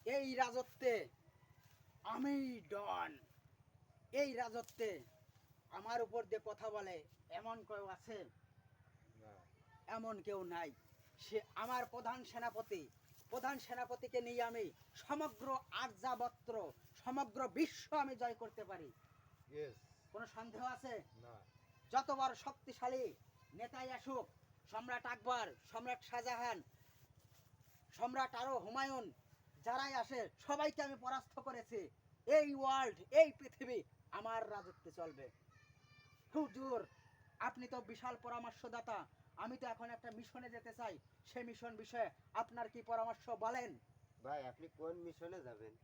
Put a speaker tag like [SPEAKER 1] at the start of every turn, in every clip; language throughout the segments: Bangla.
[SPEAKER 1] এই রাজত্বে আমি ডন। এই রাজত্বে আমার উপর দিয়ে কথা বলে এমন কেউ আছে?
[SPEAKER 2] না।
[SPEAKER 1] এমন কেউ নাই। সে আমার প্রধান সেনাপতি। প্রধান সেনাপতিকে নিয়ে আমি সমগ্র আর্যাবর্ত, সমগ্র বিশ্ব আমি জয় করতে পারি।
[SPEAKER 2] ইয়েস।
[SPEAKER 1] কোনো সন্দেহ আছে?
[SPEAKER 2] না।
[SPEAKER 1] যত বড় শক্তিশালী নেতাই আসুক, সম্রাট আকবর, সম্রাট শাহজাহান, সম্রাট আরো হুমায়ুন, যারাই আসে সবাইকে আমি পরাস্ত করেছি। এই ওয়ার্ল্ড, এই পৃথিবী আমার রাজত্বে চলবে। হুজুর, আপনি তো বিশাল পরামর্শদাতা। আমি তো এখন একটা মিশনে যেতে চাই। সেই মিশন বিষয়ে আপনার কি পরামর্শ বলেন?
[SPEAKER 3] ভাই আপনি কোন মিশনে যাবেন?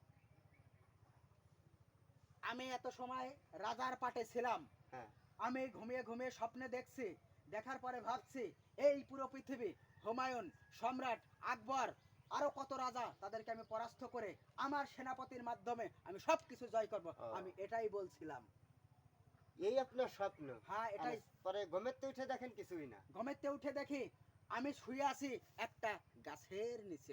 [SPEAKER 1] আমি এত সময় রাজার পাটে ছিলাম।
[SPEAKER 3] হ্যাঁ।
[SPEAKER 1] আমি ঘুমিয়ে ঘুমিয়ে স্বপ্নে দেখছি, দেখার পরে ভাবছি এই পুরো পৃথিবী, হুমায়ুন, সম্রাট আকবর, আরো কত রাজা, তাদেরকে আমি পরাস্ত করে আমার সেনাপতির মাধ্যমে আমি সবকিছু জয় করব। আমি এটাই বলছিলাম।
[SPEAKER 3] এই আপনার স্বপ্ন?
[SPEAKER 1] হ্যাঁ, এটাই।
[SPEAKER 3] পরে ঘুমেতে উঠে দেখেন কিছুই না?
[SPEAKER 1] ঘুমেতে উঠে দেখি আমি শুয়ে আছি একটা গাছের নিচে।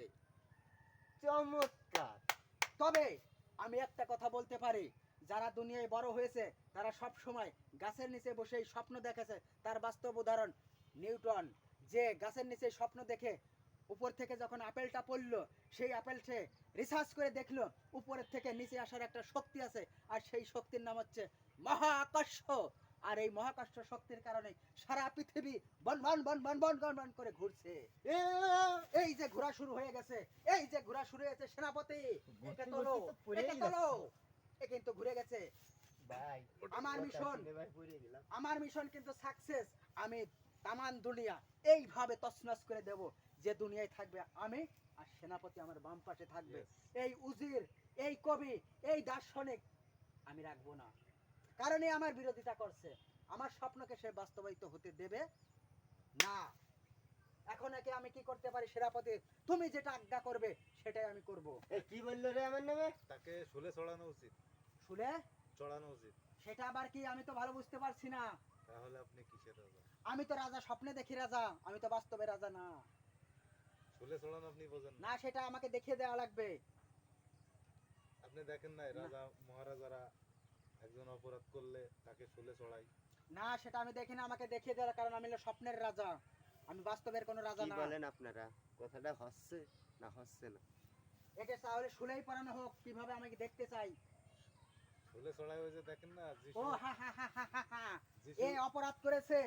[SPEAKER 3] চমৎকার।
[SPEAKER 1] তবে আমি একটা কথা বলতে পারি, যারা দুনিয়ায় বড় হয়েছে তারা সব সময় গাছের নিচে বসেই স্বপ্ন দেখেছে। তার বাস্তব উদাহরণ নিউটন, যে গাছের নিচে স্বপ্ন দেখে উপর থেকে যখন আপেলটা পড়লো, সেই আপেলটা রিসার্চ করে দেখলো উপরের থেকে নিচে আসার একটা শক্তি আছে, আর সেই শক্তির নাম হচ্ছে মহাকর্ষ। আর এই মহাকর্ষ শক্তির কারণে সারা পৃথিবী বন বন বন বন বন বন বন করে ঘুরছে। এই যে ঘোরা শুরু হয়ে গেছে, এই যে ঘোরা শুরু হয়েছে, সেনাপতি একে তোলো, একে তোলো। এ কিন্তু ঘুরে গেছে।
[SPEAKER 3] ভাই
[SPEAKER 1] আমার মিশন,
[SPEAKER 3] ভাই পড়ে গেলাম।
[SPEAKER 1] আমার মিশন কিন্তু সাকসেস। আমি তামান দুনিয়া এইভাবে তছনছ করে দেব যে দুনিয়ায় থাকবে আমি, আর সেনাপতি আমার বাম পাশে থাকবে। এই উজির, এই কবি, এই দার্শনিক আমি রাখবো না, কারণ এ আমার বিরোধিতা করছে। আমার স্বপ্নকে সে বাস্তবায়িত হতে দেবে না। এখন একে আমি কি করতে পারি? সেনাপতি, তুমি যেটা আজ্ঞা করবে সেটাই আমি করব।
[SPEAKER 3] এই কি বললো রে আমার নামে?
[SPEAKER 2] তাকে শুলে চড়ানো উচিত।
[SPEAKER 1] শুনে
[SPEAKER 2] চড়ানো উচিত।
[SPEAKER 1] সেটা আবার কি? আমি তো ভালো বুঝতে পারছি না।
[SPEAKER 2] তাহলে আপনি কিসের রাজা?
[SPEAKER 1] আমি তো রাজা, স্বপ্নে দেখি রাজা, আমি তো বাস্তবে রাজা না।
[SPEAKER 2] শুলে চড়ানো আপনি বোঝেন না?
[SPEAKER 1] না, সেটা আমাকে দেখিয়ে দেওয়া লাগবে।
[SPEAKER 2] আপনি দেখেন নাই
[SPEAKER 1] না।
[SPEAKER 2] রাজা মহারাজারা একজন অপরাধ করলে তাকে শুলে চড়ায়?
[SPEAKER 1] না, সেটা আমি দেখি না, আমাকে দেখিয়ে দেওয়ার, কারণ আমি হলো স্বপ্নের রাজা, আমি বাস্তবের কোনো রাজা
[SPEAKER 3] কি
[SPEAKER 1] না।
[SPEAKER 3] বলেন আপনারা? কথাটা হচ্ছে না হচ্ছে না?
[SPEAKER 1] একে তাহলে শুলেই পড়ানো হোক, কিভাবে আমাকে দেখতে চাই।
[SPEAKER 2] শুলে চড়ায় ওই যে দেখেন না
[SPEAKER 1] ও
[SPEAKER 2] যিশু।
[SPEAKER 1] হা হা হা হা হা হা।
[SPEAKER 2] যিশু।
[SPEAKER 1] এ অপরাধ করেছে,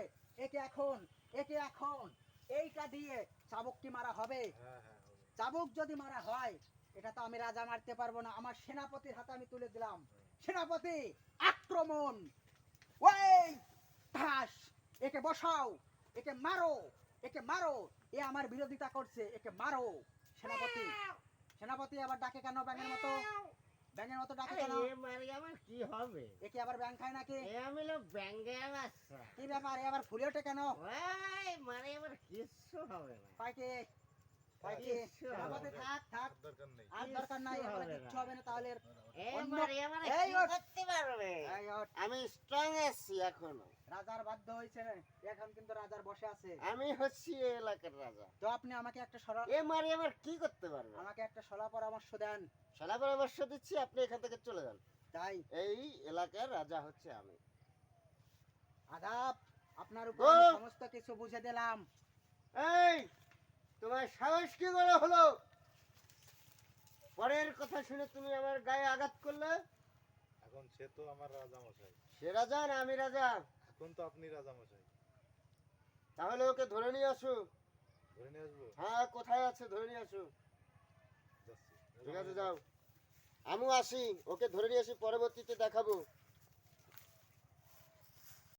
[SPEAKER 1] একে এখন এইটা দিয়ে চাবুক কি মারা হবে?
[SPEAKER 2] হ্যাঁ হ্যাঁ হবে।
[SPEAKER 1] চাবুক যদি মারা হয়, এটা তো আমি রাজা মারতে পারবো না। আমার সেনাপতির হাতে আমি তুলে দিলাম। সেনাপতি, আক্রমণ! ওই ঠাস! একে বসাও, একে মারো, একে মারো। এ আমার বিরোধিতা করছে, একে মারো। সেনাপতি, সেনাপতি আবার ডাকে কেন ব্যাঙের মতো? ব্যাঙের মতো ডাকে কেন?
[SPEAKER 4] এ মারি আমার কি হবে?
[SPEAKER 1] একে আবার ব্যাঙ খায় নাকি?
[SPEAKER 4] এ আমি লোক ব্যাঙ্গে বাচ্চা।
[SPEAKER 1] কি ব্যাপার? এ আবার ফুলে ওঠে কেন?
[SPEAKER 4] ওই মানে আমার কিচ্ছু হবে না।
[SPEAKER 1] পাইকে, পাইকে।
[SPEAKER 4] কিচ্ছু হবে
[SPEAKER 1] সেনাপতি
[SPEAKER 4] না।
[SPEAKER 1] থাক, থাক।
[SPEAKER 2] আর দরকার নেই।
[SPEAKER 1] আর দরকার নাই,
[SPEAKER 4] কিচ্ছু
[SPEAKER 1] এবারে
[SPEAKER 4] হবে
[SPEAKER 1] কিচ্ছু
[SPEAKER 4] না।
[SPEAKER 1] হবে না তাহলে।
[SPEAKER 4] এ
[SPEAKER 1] অন্য-
[SPEAKER 4] মারি আমার
[SPEAKER 1] এই
[SPEAKER 4] কি
[SPEAKER 1] ওঠ।
[SPEAKER 4] করতে পারবে?
[SPEAKER 1] এই ওঠ।
[SPEAKER 3] আমি স্ট্রং আছি এখনো।
[SPEAKER 1] রাজার বাধ্য হয়েছে, এখন কিন্তু রাজার বসে আছে।
[SPEAKER 3] আমি হচ্ছি এই এলাকার রাজা।
[SPEAKER 1] তো আপনি আমাকে একটা সরল,
[SPEAKER 3] এ মারি আমার কি করতে পারবে?
[SPEAKER 1] আমাকে একটা সলা পরামর্শ দেন।
[SPEAKER 3] সলা পরামর্শ দিচ্ছি, আপনি এখান থেকে চলে যান।
[SPEAKER 1] তাই
[SPEAKER 3] এই এলাকার রাজা হচ্ছে আমি।
[SPEAKER 1] আদাব, আপনার উপর
[SPEAKER 3] গো!
[SPEAKER 1] আমি সমস্ত কিছু বুঝে দিলাম।
[SPEAKER 3] এই তোমার সাহস কি করে হলো? পরের কথা শুনে তুমি আমার গায়ে আঘাত করলে?
[SPEAKER 2] এখন সে তো আমার রাজা মশাই।
[SPEAKER 3] সে রাজা না আমি রাজা?
[SPEAKER 2] এখন তো আপনি রাজা মশাই।
[SPEAKER 3] তাহলে ওকে ধরে নিয়ে আসো।
[SPEAKER 2] ধরে নিয়ে আসবো?
[SPEAKER 3] হ্যাঁ, কোথায় আছে ধরে নিয়ে আসো।
[SPEAKER 2] যাচ্ছি।
[SPEAKER 3] ঠিক আছে, যাও। আমিও আসি, ওকে ধরে নিয়ে আসি, পরবর্তীতে দেখাবো।